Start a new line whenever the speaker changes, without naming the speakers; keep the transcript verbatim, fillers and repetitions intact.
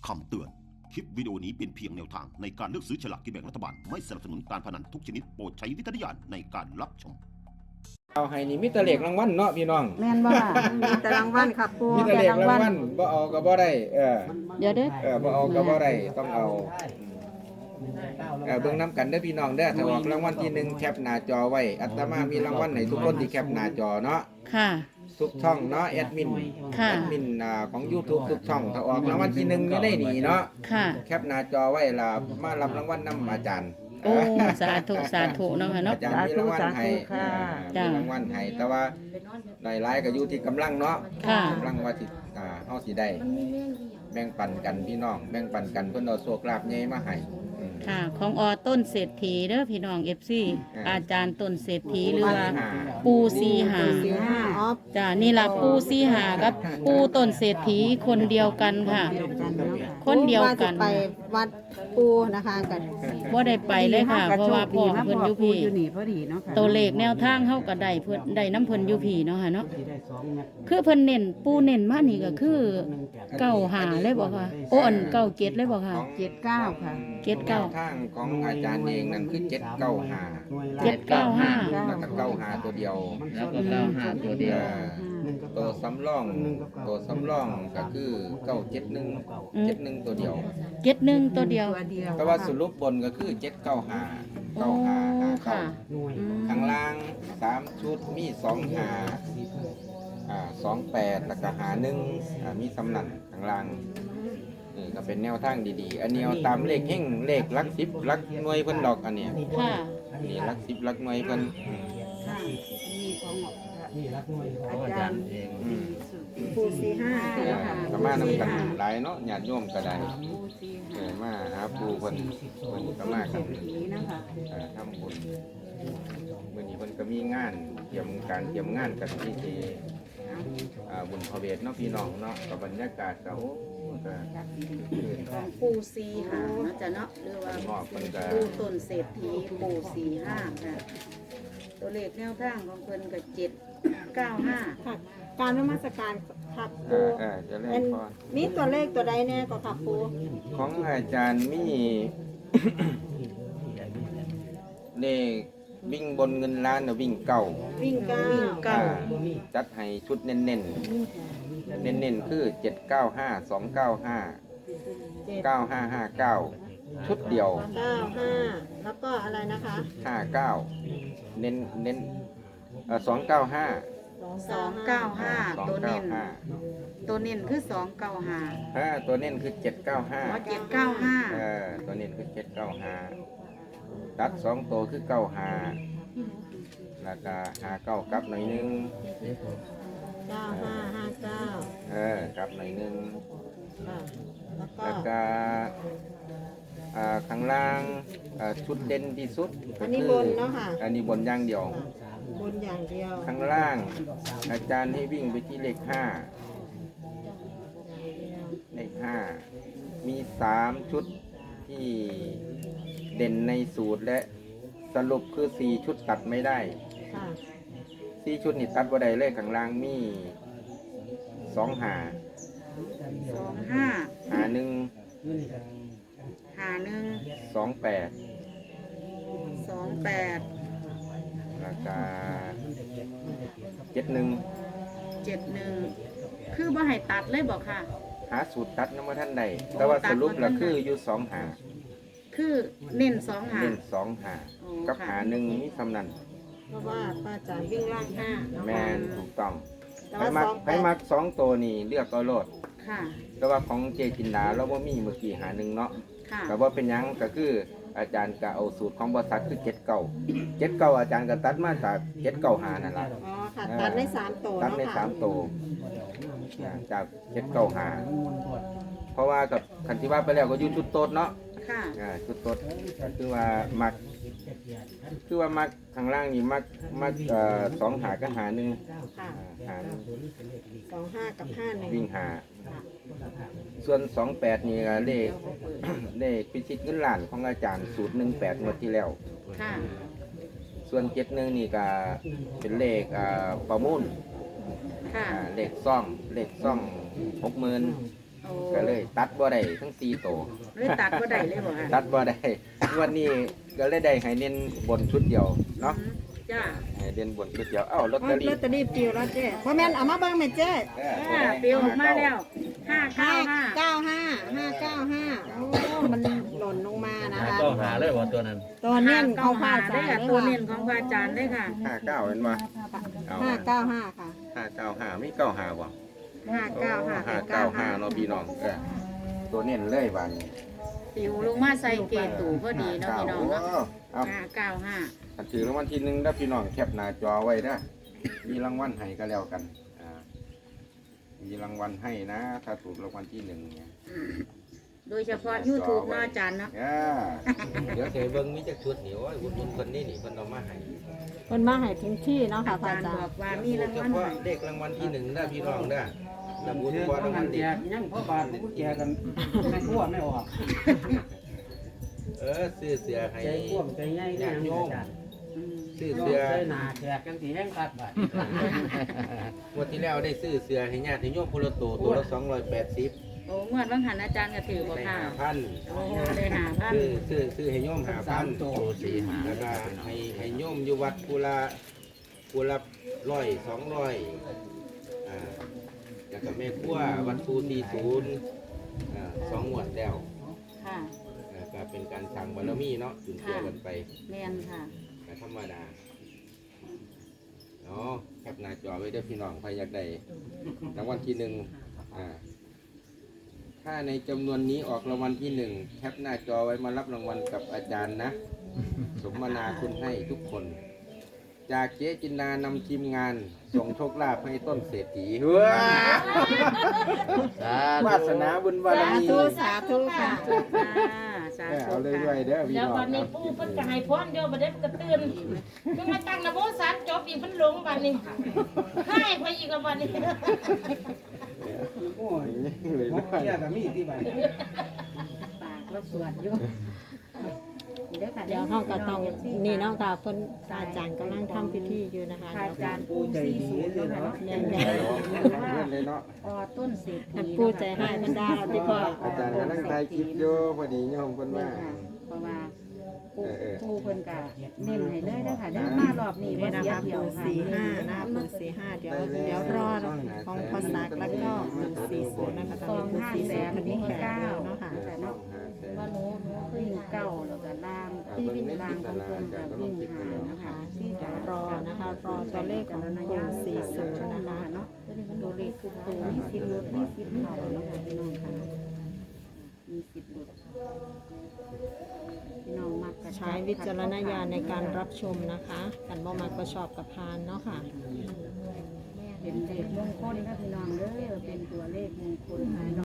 คำเตือน คลิปวิดีโอนี้เป็นเพียงแนวทางในการเลือกซื้อฉลากกินแบ่งรัฐบาล ไม่สนับสนุนการพนันทุกชนิดโปรดใช้วิจารณญาณในการรับชม
เอาให้นี่มีแต่เลขรางวัลเนาะพี่น้อง
แม่นบ่ล่ะมีแต่รางวัลครับปู
มีแต่เลขรางวัลบ่เอาก็บ่ได้เออ
เดี๋ยวเด้อ
เออบ่เอาก็บ่ได้ต้องเอาเออเบิ่งนํกันเด้อพี่น้องเด้อถ้าออกรางวัลที่หนึ่งแคปหน้าจอไว้อาตมามีรางวัลให้ทุกคนที่แคปหน้าจอเนาะ
ค่ะ
ทุกช่องเนาะแอดมิน
ค่ะ
แอดมินอ่าของ YouTube ทุกช่องถ้าออกรางวัลที่หนึ่งอยู่ได้นี่เนาะ
ค่ะ
แคปหน้าจอไว้ล่ะมารับรางวัลนํอาจารย์
โอ้สาธุสาธุเนาะค่ะเนาะ
อาจารย์มีรางวัลให้
ค่ะ
เออมีรางวัลให้แต่ว่าได้หลายก็อยู่ที่กำลังเนาะ
ค่ะ
กำลังว่าสิอ่าเฮาสิได้แบ่งปันกันพี่น้องแบ่งปันกันเพิ่นเอาโชคลาภใหญ่มาให้อืม
ค่ะ ของอต้นเศรษฐีเด้อพี่น้อง เอฟ ซี
อ่า
อาจารย์ต้นเศรษฐีหรือว่า
อ่า
ปูซีหา
สี่ห้าออฟ
จ้านี่ล่ะปูซีหากับปูต้นเศรษฐีคนเดียวกันค่ะ
เดียวกันเนาะค่ะ
คนเดียวกัน
ว่าจะไปวัดปูนะคะกัน
บ่ได้ไปเลยค่ะ เพราะว่าพ่อเพิ่นอยู่พี่
อยู่นี่พอดีเนาะค่ะ
ตัวเลขแนวทางเฮาก็ได้เพิ่นได้น้ำเพิ่นอยู่พี่เนาะค่ะเนาะคือเพิ่นเน้นปูเน้นมานี่ก็คือเก้าหาเลยบ่ค่ะโอ้อันเก้าเจ็ดเลยบ่ค่ะ
ของ
เจ็ดเก้าค่ะ
เจ็ดเก้า
แนวทางของอาจารย์เองนั่นคือเจ็ดเก้าห้า
เจ็ดเก้าห้า
แล้วก็เก้าห้าตัวเดียว
แล้วก็เก้าห้าตัวเดียว
เออตัวสำรองตัวสำรองก็คือเก้าเจ็ดหนึ่งเจ็ดหนึ่งตัวเดียว
เจ็ดหนึ่งตัวเดียว
ตัวเดียว
แต่ว่าสรุปบนก็คือเจ็ดเก้าห้า
โอ้
เก้าห้าห้าเก้า
ค่ะอืม
ข้างล่างสามชุดมีสองหาอ่าสองแปดแล้วก็หาหนึ่งอ่ามีสำนันข้างล่างนี่ก็เป็นแนวทางดีๆ อันนี้เอาตามเลขเฮงเลขหลักสิบหลักหน่วยเพิ่นดอกอันเนี้ย
ค่ะ
นี่หลักสิบหลักหน่วยเพิ่นอืม
ค่ะมีของอา
อา
จา
จาร ร
ย์
ย์เอง
อืม
ปูสี่ห้า
เออก็มานำกันหลายเนาะญาติโยมก็ได้เออมาหาปู่เพิ่นเพิ่นก็มากัน
นี้นะคะ
เออทำบุญมื้อนี้เพิ่นก็มีงานเตรียมการเตรียมงานกันที่ที่อ่าบุญพระเวทเนาะพี่น้องเนาะก็บรรยากาศก็โอ้ก็
ของปูซีหาเนาะจ้ะเนาะหรือว่า
หมอกเพิ่นก็
ปูต้นเศรษฐีปูซีห้าค่ะตัวเลขแนวทางของเพิ่นก็เจ็ดเก้าห้า
ค่ะ การนมัสการขับ
เอ
ปู
อเออจะเล่
เป็น น
พร
มีตัวเลขตัวใดเนี่ยก็ขับปู
ของอาจารย์มี เลขวิ่งบนเงินล้านน่ะวิ่งเก่า
วิ่งเก้า
เก้า
จัดให้ชุดเน้นๆ เน้นๆ คือเจ็ดเก้าห้าสองเก้าห้า
เจ็ด
เก้าห้าห้าเก้าชุดเดียว
เก้าห้าแล้วก็อะไรนะคะ
ห้าเก้าเน้นเน้นสองเก้าห้า
สองเก้าห้า
สอง
ตัว
เก้า
เน้น
ห้า
ตัวเน้นคือสองเก้าห้า
ห้าตัวเน้นคือเจ็ดเก้าห้า
เจ็ดเก้าห้า
เออตัวเน้นคือเจ็ดเก้าห้าตัดสองตัวคือเก้าห้าแล้วก็ห้าเก้ากลับหน่อยหนึง
เก้าห้าห้าเก้า
เออกลับหน่อยหนึง
ค่ะแล้วก็
แล้วก็อ่าข้างล่างอ่าชุดเด่นที่สุดก็
อันนี้
คื
บนเนาะค่ะ
อันนี้บนอย่างเดียว
บนอย่างเดียว
ข้างล่างอาจารย์ให้วิ่งไปที่เลขห้าเลขห้ามีสามชุดที่เด่นในสูตรและสรุปคือสี่ชุดตัดไม่ได้
ค่ะ
สี่ชุดนี่ตัดว่าได้เลยข้างล่างมีสองหา
สองห้า
หาหนึ่ง
หาหนึ่ง
สองแปด
สองแปด
แล้วก็เจ็ดหนึ่ง
เจ็ดหนึ่งคือบ่ให้ตัดเลยบอกค่ะ
หาสูตรตัดน้ำมาท่านใดแต่ว่าสรุปแล้วคืออยู่สองหา
คือเน้นสองหา
เล่นสองหา
อ๋อ
กับ
ค่ะ
หาหนึ่งมีสำนัน
เพราะว่าป้าจ๋าวิ่งล่างห้าเนาะ
แมนถูกต้อง
แต่
ให้
ว่า
มัก
สองแป
ให้
ด
มักสองตัวนี่เลือกเอาโลด
ค่ะ
แต่ว่าของเจจินดาเราว่ามีเมื่อกี้หาหนึ่งเนาะ
ค่ะ
แต่ว่าเป็นหยังก็คืออาจารย์ก็เอาสูตรของบริษัทคือเจ็ดเก่าเจ็ดเก่าอาจารย์ก็ตัดมาจากเจ็ดเก่าหานั่นแหละ
อ๋อค่ะตัดได้สามตัว
ตัด
เนาะ
ใน
ค่ะ
สามตัวอ่าจากเจ็ดเก่าหาเพราะว่ากับคันที่ว่าไปแล้วก็อยู่ชุดโต๊ดเนาะ
ค่ะ
อ่าชุดโต๊ดก็คือว่ามักคือว่ามักข้างล่างนี่มักมักเอ่อสองหากับหาหนึ่ง
ค่ะ
อ่าหาหนึ่ง
สองห้ากับห้าหนึ่ง
วิ่งหา ส่วนสองแปดนี่ก็เลข เลขพิชิตเงินล้านของอาจารย์สูตรหนึ่งแปดงวดที่แล้ว
ค่ะ
ส่วนเจ็ดหนึ่งนี่ก็เป็นเลขอ่าประมูล
ค่ะ
อ่าเลขซ่องเลขซ่องหกหมื่น
โอ้
ก็เลยตัดบ่ได้ทั้งสี่ตัว
เลยตัดบ่ได้เลยบ่ค่ะ
ตัดบ่ได้งวันนี้ก็เลยได้ให้เน้นบนชุดเดียวเนาะ
จ้า
ให้เน้นบนชุดเดียวเอ้าลอต
อ๋
เต
อ
อรี่
ลอตเตอรี่ปิวแล้วเจ๊พ่อแม่นเอามาเบิ่งแม่เจ๊
เออ
อ่าเปลี่ยวออกมาแล้วห้า
ห้า
เก้าห้า
เก้าห้าห้าเก้าห้าโอ้มันหล่นลงมานะคะ
ก็หาเลยว่าตัวนั้น
ตัวเน้นของพระ
ได้
อาจาร
ค่ะ
ย์
ตัวเน้นของพระอาจารย์ได้ค่ะ
ห้าเก้าเห็นบ่เอา
ห้าเก้าห้าค่ะ
ห้าเก้าห้าไม่เก้าห้าบ่
ห้าเก้าห้า
ห้าเก้าห้าเนาะพี่น้องเออตัวเน้นเลยบาดนี้
ปิวลงมาใส่เกตูพอดีเนาะพี่น้องเนาะ
เอา
ห้าเก้าห้า
ถ้าถือรางวัลที่หนึ่งแล้วพี่น้องแคปหน้าจอไว้นะมีรางวัลให้ก็แล้วกันอ่ามีรางวัลให้นะ ถ้าถูกรางวัลที่หนึ่งเนี่ย
โดยเฉพาะ YouTube เนาะอาจารย์เนาะ
อ่าเดี๋ยวเสเบิ้งมีจักชุดเหนียวอุ่นอุ่นคนนี้นี่เพิ่นเอามาให้
คนมาให้ถึงที่เนาะค่ะ
อา
พระ
จาร
อา
ย์
จาร
บอ
ย์
กว่ามีราง
เฉ
วัล
พาะ
ให้
เด็กรางวัลที่หนึ่งนะพี่น้องนะระบุเฉพาะรางวัลเด็ก
ยังพ่อบาทกูแจกันไม่ทั่วไม่ออก
เออซื้อเสือให้
ใจพ่วงใจใหญ่เนี่ยโยม
ซื้อ
เสื้
เสื
อ
อ
หนาแขกกันสีแห้งตัดบาท
งวดที่แล้วได้ซื้อเสือให้ญาติโยมพลโตตัวละสองร้อยแปดสิบ
โอ้เมื่อวันหันอาจารย์ก็ถือบ่
ได้
ค่ะ
ห้าพัน
โอ้ได้หาพัน
ซื้อซื้อซื้อให้โยมหาพัน
โตสี่หา
แล้วก็ให้ให้โยมอยู่วัดกุละกุละร้อยสองร้อยอ่าแล้วก็แม่ครัววัดภูตีศูนย์อ่าสองงวดแล้ว
ค่ะ
อ่าก็เป็นการสั่งบารมีเนาะจุนเจือกันไป
แม่นค่ะ
ก็ธรรมดาเนาะแคปหน้าจอไว้เด้อพี่น้องใครอยากได้รางวัลที่หนึ่งอ่าถ้าในจำนวนนี้ออกรางวัลที่หนึ่งแคปหน้าจอไว้มารับรางวัลกับอาจารย์นะ สมนาคุณให้ทุกคน จากเจ๊จินดานำทีมงานส่งโชคลาภให้ต้นเศรษฐีว้าวาสนาบุญบาร
สา
มี
ธุสาธุค่ะ
สา
เออ
ธุ
เอาเลยด้วย
ค่ะ
เด้อพี่
เดี๋ยว
น้อง
วันนี้
ครับ
ปู่เพิ่นก็ให้พรเดี๋ยวบัดนี้เพิ่นก็ตื่นเพิ่นมาตั้งนะโมสามจบอีกเพิ่นหลงบัดนี้ให้ไปอีกแล้วบัดนี้
โอ้ย
เลย
หม
ด้
อ
วย
เกียกับมีที่บ้าน
ปากแล้วสวดอยู่เดี๋ยวค่ะ
เดี๋ยวเขาก็ต้องนี่เนาะค่ะเพิ่นพระอาจารย์กำลังทำพิธีอยู่นะคะ
พระอาจารย์
ปูใจดีเลยเนาะ
เนี่ย
เพื่อนเลยเนาะ
ออต้นเศรษฐี
อันปูใจให้เพิ่นได้เราที่พ่อ
อาจารย์กำลังถ่ายคลิปอยู่พอดีโยมเพิ่นว่า
เพราะว่าปู
เออเออ
ปูเพิ่นก็เน้นให้เลยนะคะเด้อมารอบนี้
นี่
บ่
นะ
เสีย
คะ
เที่ยว
ปู
ค่ะ
สี่ห้านะคะปูสี่ห้าเดี๋ยวเดี๋ยวรอของพอสักแล้วก็ปูสี่ศูนย์นะคะตอนนี้ปูสี่ศูนย์คันนี้แขกแล้วเนาะค่ะ
แต่เนาะว่าหนูหนูวิ่งเก้าแล้วก็ล่างที่วิ่งล่างของเพิ่นก็วิ่งหานะคะที่
เดี๋
จะ
ยวรอนะคะรอตัวเลขของปูสี่ศูนย์นะคะ
เนาะตัวเลขคือตัวมีสิบลดมีสิบเข่าเนาะค่ะพี่น้องค่ะมีสิบลดพี่น้องมักกระ
ใช้วิจารณญาณในการรับชมนะคะกันบ่มาก็ชอบกับพานเนาะค่ะ
เป็นเลขมงคลนะพี่น้องเด้อเป็นตัวเลขมงคล